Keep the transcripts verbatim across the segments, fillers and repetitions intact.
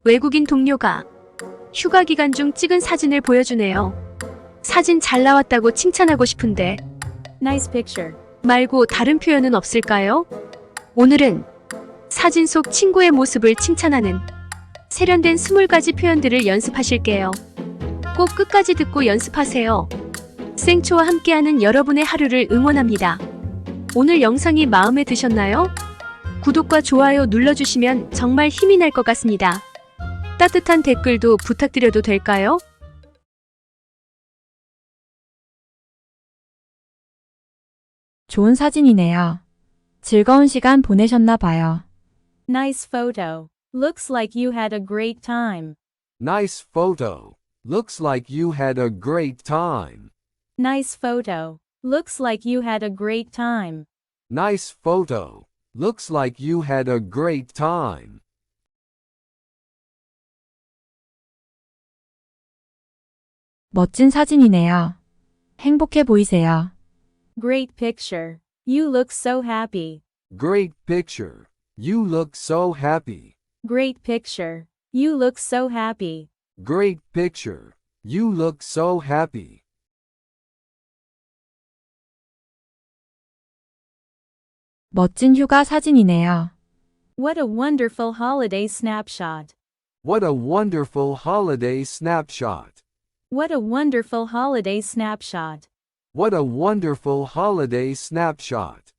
외국인 동료가 휴가 기간 중 찍은 사진을 보여주네요. 사진 잘 나왔다고 칭찬하고 싶은데 Nice picture. 말고 다른 표현은 없을까요? 오늘은 사진 속 친구의 모습을 칭찬하는 세련된 스물 가지 표현들을 연습하실게요. 꼭 끝까지 듣고 연습하세요. 생초와 함께하는 여러분의 하루를 응원합니다. 오늘 영상이 마음에 드셨나요? 구독과 좋아요 눌러주시면 정말 힘이 날 것 같습니다. 따뜻한 댓글도 부탁드려도 될까요? 좋은 사진이네요. 즐거운 시간 보내셨나 봐요. Nice photo. Looks like you had a great time. Nice photo. Looks like you had a great time. Nice photo. Looks like you had a great time. Nice photo. Looks like you had a great time. 멋진 사진이네요. 행복해 보이세요. Great picture. You look so happy. Great picture. You look so happy. Great picture. You look so happy. Great picture. You look so happy. 멋진 휴가 사진이네요. What a wonderful holiday snapshot. What a wonderful holiday snapshot. What a wonderful holiday snapshot. What a wonderful holiday snapshot.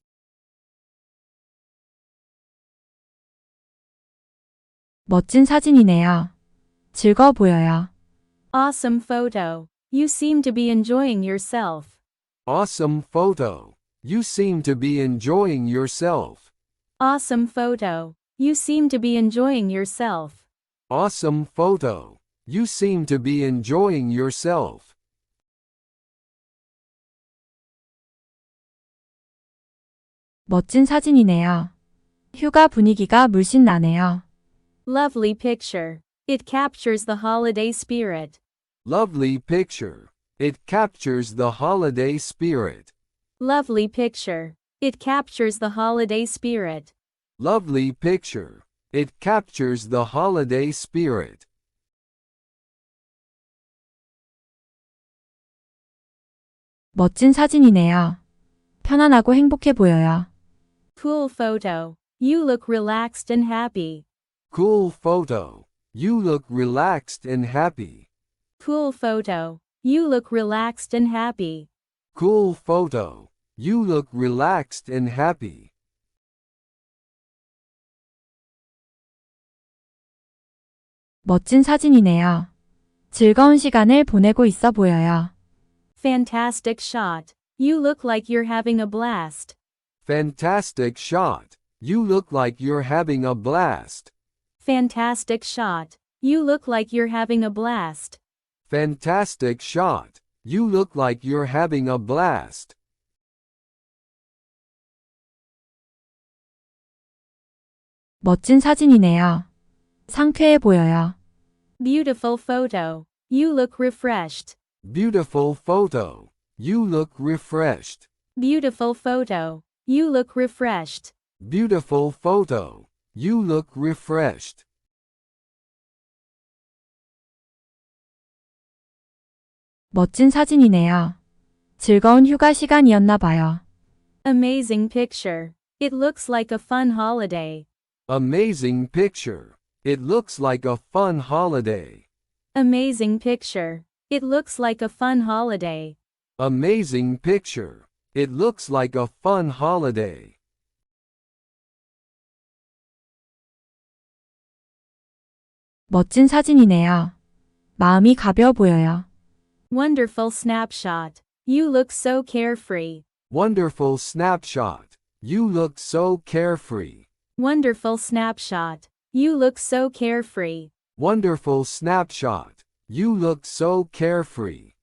멋진 사진이네요. 즐거워 보여요. Awesome photo. You seem to be enjoying yourself. Awesome photo. You seem to be enjoying yourself. Awesome photo. You seem to be enjoying yourself. Awesome photo. You seem to be enjoying yourself. 멋진 사진이네요. 휴가 분위기가 물씬 나네요. Lovely picture. It captures the holiday spirit. Lovely picture. It captures the holiday spirit. Lovely picture. It captures the holiday spirit. Lovely picture. It captures the holiday spirit. 멋진 사진이네요. 편안하고 행복해 보여요. Cool photo. You look relaxed and happy. Cool photo. You look relaxed and happy. Cool photo. You look relaxed and happy. Cool photo. You look relaxed and happy. 멋진 사진이네요. 즐거운 시간을 보내고 있어 보여요. Fantastic shot. You look like you're having a blast. Fantastic shot. You look like you're having a blast. Fantastic shot. You look like you're having a blast. Fantastic shot. You look like you're having a blast. 멋진 사진이네요. 상쾌해 보여요. Beautiful photo. You look refreshed. Beautiful photo. You look refreshed. Beautiful photo. You look refreshed. Beautiful photo. You look refreshed. 멋진 사진이네요. 즐거운 휴가 시간이었나 봐요. Amazing picture. It looks like a fun holiday. Amazing picture. It looks like a fun holiday. Amazing picture. It looks like a fun holiday. Amazing picture. It looks like a fun holiday. 멋진 사진이네요. 마음이 가벼워 보여요. Wonderful snapshot. You look so carefree. Wonderful snapshot. You look so carefree. Wonderful snapshot. You look so carefree. Wonderful snapshot. You look so carefree.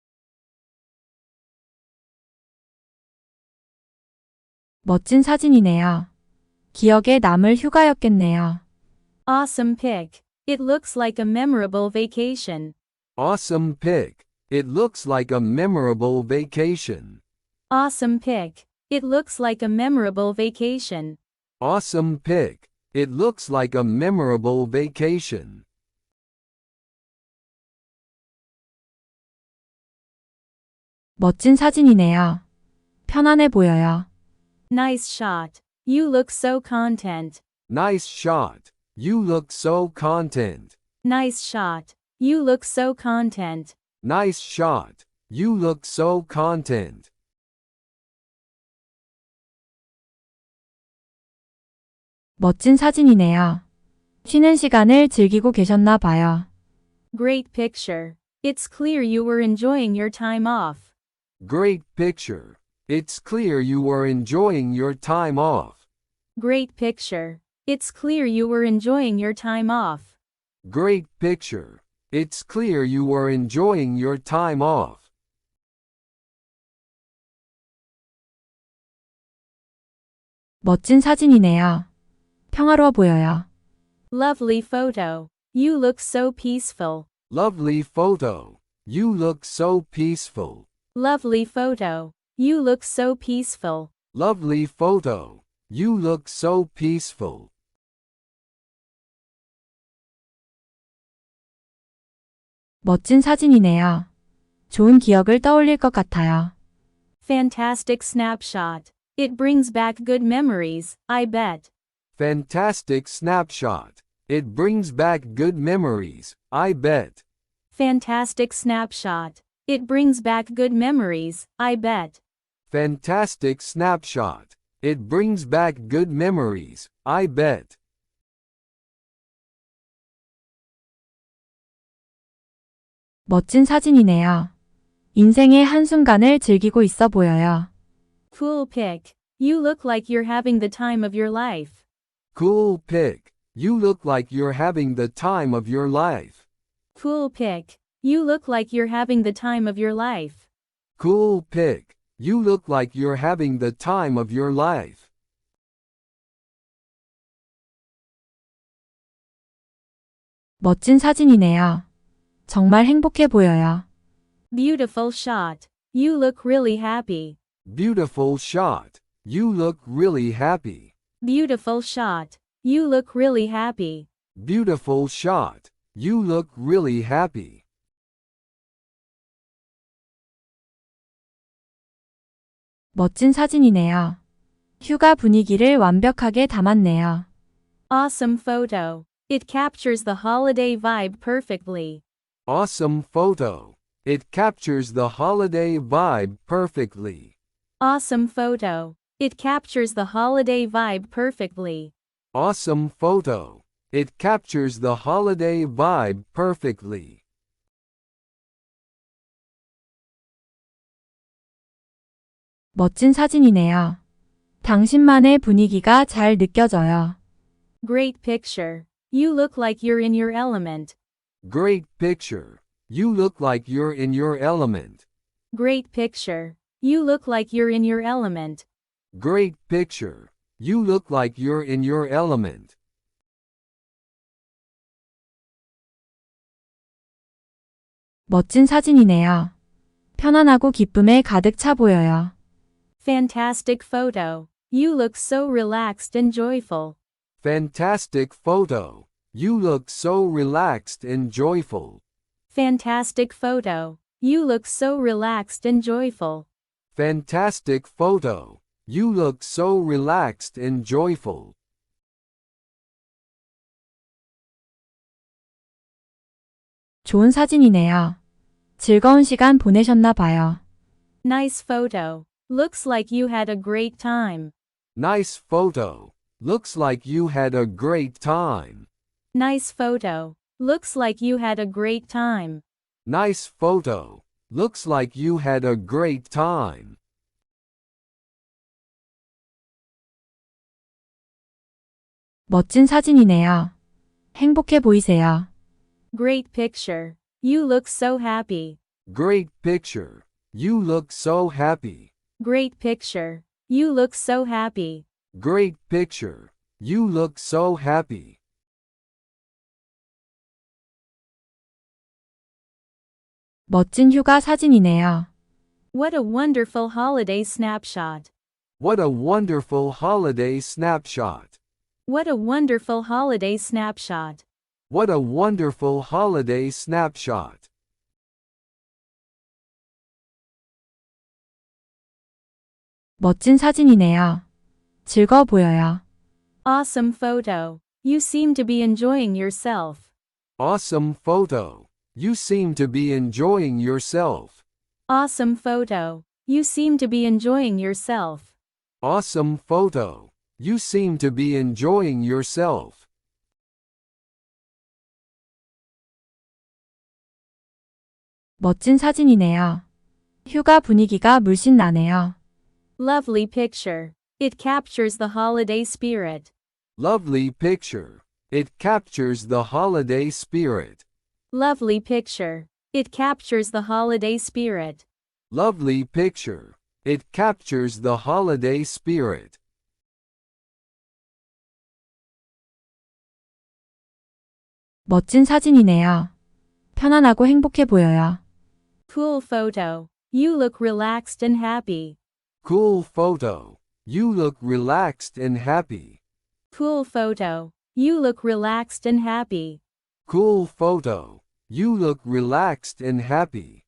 멋진 사진이네요. 기억에 남을 휴가였겠네요. Awesome pic. It looks like a memorable vacation. Awesome pic. It looks like a memorable vacation. Awesome pic. It looks like a memorable vacation. Awesome pic. It looks like a memorable vacation. 멋진 사진이네요. 편안해 보여요. Nice shot. You look so content. Nice shot. You look so content. Nice shot. You look so content. Nice shot. You look so content. 멋진 사진이네요. 쉬는 시간을 즐기고 계셨나 봐요. Great picture. It's clear you were enjoying your time off. Great picture. It's clear you were enjoying your time off. Great picture. It's clear you were enjoying your time off. Great picture. It's clear you were enjoying your time off. 멋진 사진이네요. 평화로워 보여요. Lovely photo. You look so peaceful. Lovely photo. You look so peaceful. Lovely photo. You look so peaceful. Lovely photo. You look so peaceful. 멋진 사진이네요. 좋은 기억을 떠올릴 것 같아요. Fantastic snapshot. It brings back good memories, I bet. Fantastic snapshot. It brings back good memories, I bet. Fantastic snapshot. It brings back good memories, I bet. Fantastic snapshot. It brings back good memories, I bet. 멋진 사진이네요. 인생의 한순간을 즐기고 있어 보여요. Cool pic. You look like you're having the time of your life. Cool pic. You look like you're having the time of your life. Cool pic. You look like you're having the time of your life. Cool pic. You look like you're having the time of your life. 멋진 사진이네요. 정말 행복해 보여요. Beautiful shot. You look really happy. Beautiful shot. You look really happy. Beautiful shot. You look really happy. Beautiful shot. You look really happy. 멋진 사진이네요. 휴가 분위기를 완벽하게 담았네요. Awesome photo. It captures the holiday vibe perfectly. Awesome photo. It captures the holiday vibe perfectly. Awesome photo. It captures the holiday vibe perfectly. Awesome photo. It captures the holiday vibe perfectly. 멋진 사진이네요. 당신만의 분위기가 잘 느껴져요. Great picture. You look like you're in your element. Great picture. You look like you're in your element. Great picture. You look like you're in your element. Great picture. You look like you're in your element. 멋진 사진이네요. 편안하고 기쁨에 가득 차 보여요. Fantastic photo. You look so relaxed and joyful. Fantastic photo. You look so relaxed and joyful. Fantastic photo. You look so relaxed and joyful. Fantastic photo. You look so relaxed and joyful. 좋은 사진이네요. 즐거운 시간 보내셨나 봐요. Nice photo. Looks like you had a great time. Nice photo. Looks like you had a great time. Nice photo. Looks like you had a great time. Nice photo. Looks like you had a great time. 멋진 사진이네요. 행복해 보이세요. Great picture. You look so happy. Great picture. You look so happy. Great picture. You look so happy. Great picture. You look so happy. 멋진 휴가 사진이네요. What a wonderful holiday snapshot. What a wonderful holiday snapshot. What a wonderful holiday snapshot. What a wonderful holiday snapshot. 멋진 사진이네요. 즐거워 보여요. Awesome photo. You seem to be enjoying yourself. Awesome photo. You seem to be enjoying yourself. Awesome photo. You seem to be enjoying yourself. Awesome photo. You seem to be enjoying yourself. 멋진 사진이네요. 휴가 분위기가 물씬 나네요. Lovely picture. It captures the holiday spirit. Lovely picture. It captures the holiday spirit. Lovely picture. It captures the holiday spirit. Lovely picture. It captures the holiday spirit. 멋진 사진이네요. 편안하고 행복해 보여요. Cool photo. You look relaxed and happy. Cool photo. You look relaxed and happy. Cool photo. You look relaxed and happy. Cool photo. You look relaxed and happy.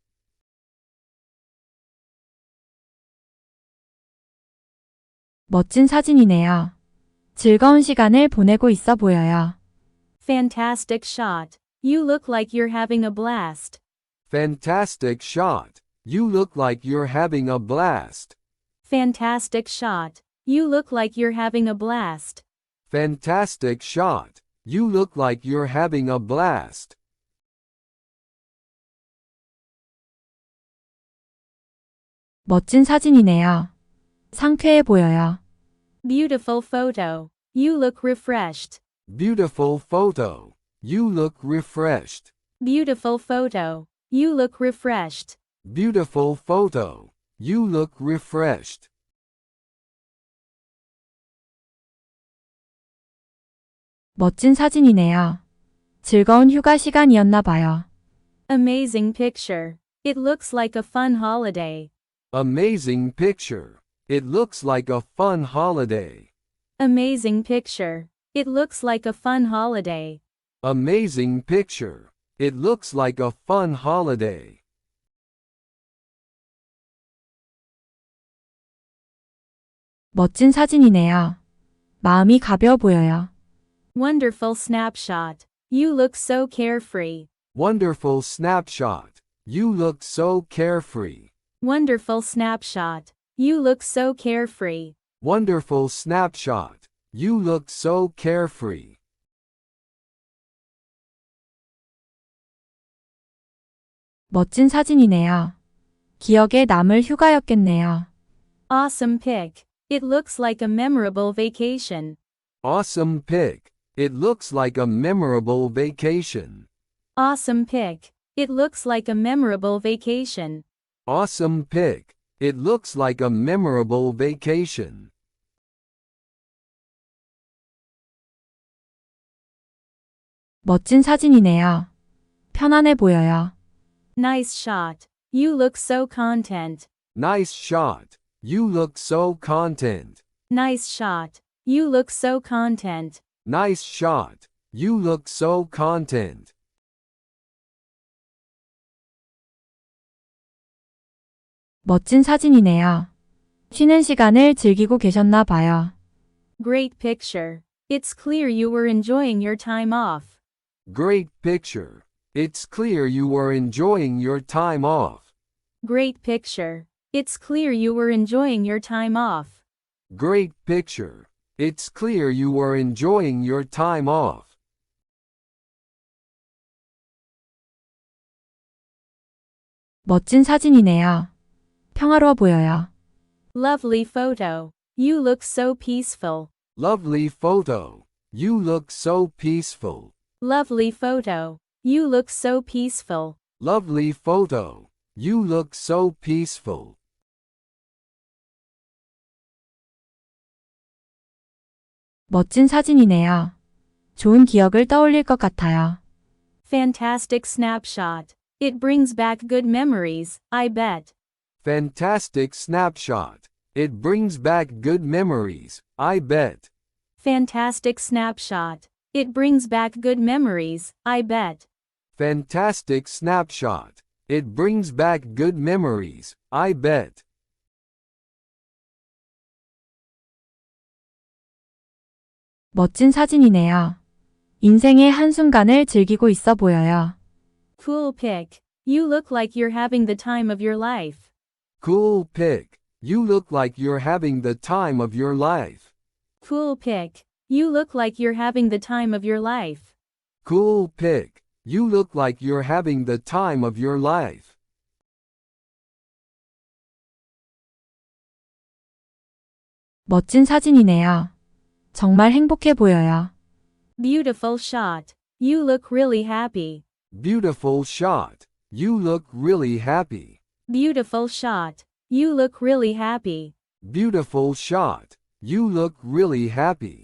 멋진 사진이네요. 즐거운 시간을 보내고 있어 보여요. Fantastic shot. You look like you're having a blast. Fantastic shot. You look like you're having a blast. Fantastic shot. You look like you're having a blast. Fantastic shot. You look like you're having a blast. 멋진 사진이네요. 상쾌해 보여요. Beautiful photo. You look refreshed. Beautiful photo. You look refreshed. Beautiful photo. You look refreshed. Beautiful photo. You look refreshed. 멋진 사진이네요. 즐거운 휴가 시간이었나 봐요. Amazing picture. It looks like a fun holiday. Amazing picture. It looks like a fun holiday. Amazing picture. It looks like a fun holiday. Amazing picture. It looks like a fun holiday. 멋진 사진이네요. 마음이 가벼워 보여요. Wonderful snapshot. You look so carefree. Wonderful snapshot. You look so carefree. Wonderful snapshot. You look so carefree. Wonderful snapshot. You look so carefree. 멋진 사진이네요. 기억에 남을 휴가였겠네요. Awesome pic. It looks like a memorable vacation. Awesome pic. It looks like a memorable vacation. Awesome pic. It looks like a memorable vacation. Awesome pic. It looks like a memorable vacation. 멋진 사진이네요. 편안해 보여요. Nice shot. You look so content. Nice shot. You look so content. Nice shot. You look so content. Nice shot. You look so content. 멋진 사진이네요. 쉬는 시간을 즐기고 계셨나 봐요. Great picture. It's clear you were enjoying your time off. Great picture. It's clear you were enjoying your time off. Great picture. It's clear you were enjoying your time off. Great picture. It's clear you were enjoying your time off. 멋진 사진이네요. 평화로워 보여요. Lovely photo. You look so peaceful. Lovely photo. You look so peaceful. Lovely photo. You look so peaceful. Lovely photo. You look so peaceful. 멋진 사진이네요. 좋은 기억을 떠올릴 것 같아요. Fantastic snapshot. It brings back good memories, I bet. Fantastic snapshot. It brings back good memories, I bet. Fantastic snapshot. It brings back good memories, I bet. Fantastic snapshot. It brings back good memories, I bet. 멋진 사진이네요. 인생의 한순간을 즐기고 있어 보여요. Cool pic. You look like you're having the time of your life. Cool pic. You look like you're having the time of your life. Cool pic. You look like you're having the time of your life. Cool pic. You look like you're having the time of your life. 멋진 사진이네요. 정말 행복해 보여요. Beautiful shot. You look really happy. Beautiful shot. You look really happy. Beautiful shot. You look really happy. Beautiful shot. You look really happy.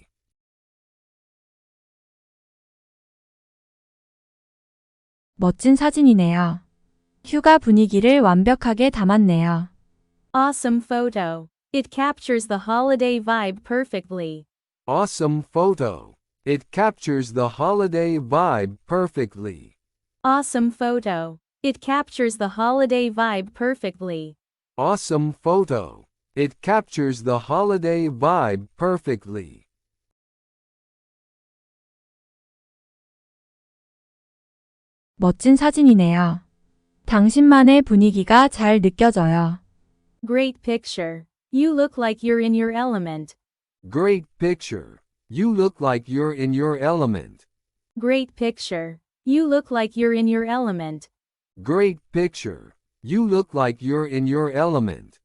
멋진 사진이네요. 휴가 분위기를 완벽하게 담았네요. Awesome photo. It captures the holiday vibe perfectly. Awesome photo. It captures the holiday vibe perfectly. Awesome photo. It captures the holiday vibe perfectly. Awesome photo. It captures the holiday vibe perfectly. 멋진 사진이네요. 당신만의 분위기가 잘 느껴져요. Great picture. You look like you're in your element. Great picture. You look like you're in your element. Great picture. You look like you're in your element. Great picture. You look like you're in your element.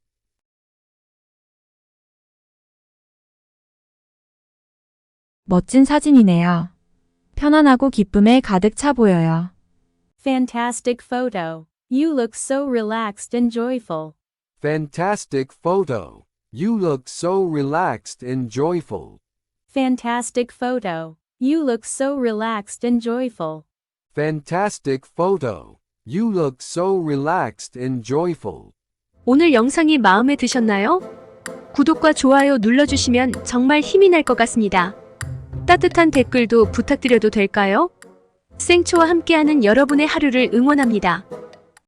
멋진 사진이네요. 편안하고 기쁨에 가득 차 보여요. Fantastic photo. You look so relaxed and joyful. Fantastic photo. You look so relaxed and joyful. Fantastic photo. You look so relaxed and joyful. Fantastic photo. You look so relaxed and joyful. 오늘 영상이 마음에 드셨나요? 구독과 좋아요 눌러주시면 정말 힘이 날 것 같습니다. 따뜻한 댓글도 부탁드려도 될까요? 생초와 함께하는 여러분의 하루를 응원합니다.